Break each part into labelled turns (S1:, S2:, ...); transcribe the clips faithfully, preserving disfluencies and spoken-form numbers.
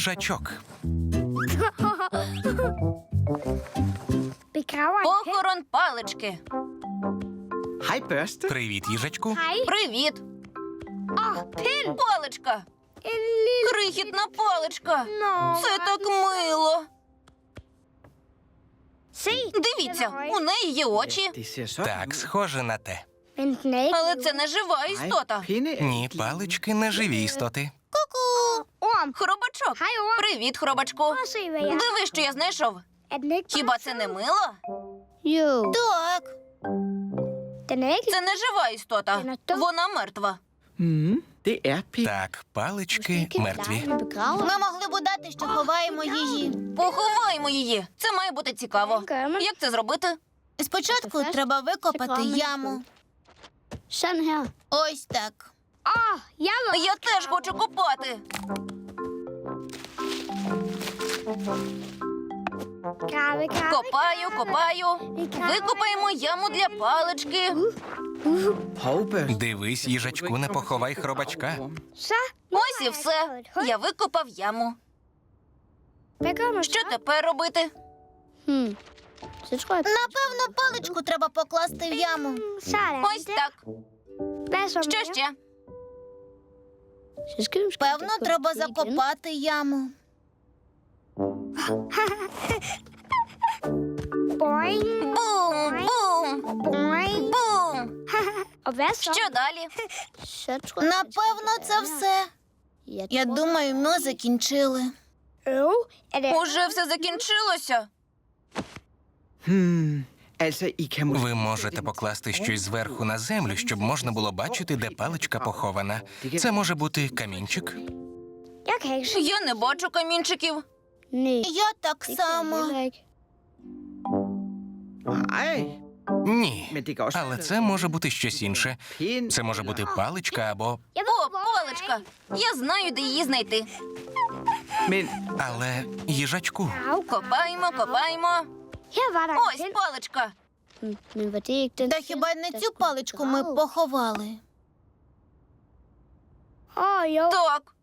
S1: Їжачок.
S2: Похорон палички.
S3: Hej, børste.
S1: Привіт, їжачку.
S2: Привіт. Паличка. Крихітна паличка. Це так мило. Дивіться, у неї є очі.
S3: Det ser sådan
S1: Так,
S3: ud.
S1: схоже на те.
S2: Але це не жива
S3: Nej,
S2: істота.
S3: pinde er
S1: Ні,
S3: ikke
S1: палички не живі істоти.
S2: Ку-ку. Хробачок. Привіт, хробачку. Диви, що я знайшов. Хіба це не мило? Так. Це не жива істота. Вона мертва.
S3: Mhm, det er pinde.
S1: Так, палички мертві.
S4: Ми могли б удати, що ховаємо її.
S2: Поховаймо її. Це має бути цікаво. Як це зробити?
S4: Спочатку треба викопати яму. Ось так.
S2: Я теж хочу копати. Копаю, копаю. Викопаємо яму для палички.
S3: Hov, børste.
S1: Дивись, їжачку, не поховай хробачка.
S2: Ось і все. Я викопав яму. Що тепер робити?
S4: Напевно, паличку треба покласти в яму.
S2: Ось так. Що ще?
S4: Певно, треба закопати яму.
S2: Бум, бум, бум. Що далі?
S4: Напевно, це все. Я думаю, ми закінчили.
S2: Уже все закінчилося.
S3: Hmm, altså, I kan måske...
S1: Ви можете покласти щось зверху на землю, щоб можна було бачити, де паличка похована. Це може бути камінчик.
S2: Я не бачу камінчиків.
S4: Я так само.
S3: Nej,
S1: Ні.
S3: men det kan også...
S1: Але це може бути щось інше.
S3: Pind,
S1: Це може бути паличка або...
S2: О, паличка. Я знаю, де її знайти.
S3: Men
S1: Але їжачку.
S2: Копаємо, копаємо. Ось паличка.
S4: Та хіба не цю паличку ми поховали?
S2: Так.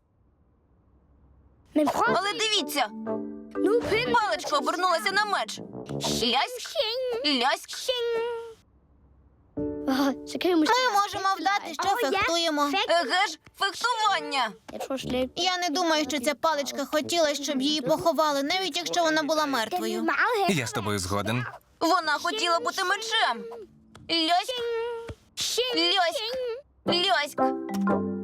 S2: Але дивіться. Паличка обернулася на меч. Ляськ, ляськ.
S4: Ми можемо вдати, що фехтуємо.
S2: Еге ж, фехтування.
S4: Я не думаю, що ця паличка хотіла, щоб її поховали, навіть якщо вона була мертвою.
S1: Я з тобою згоден.
S2: Вона хотіла бути мечем. Ляськ, ляськ, ляськ.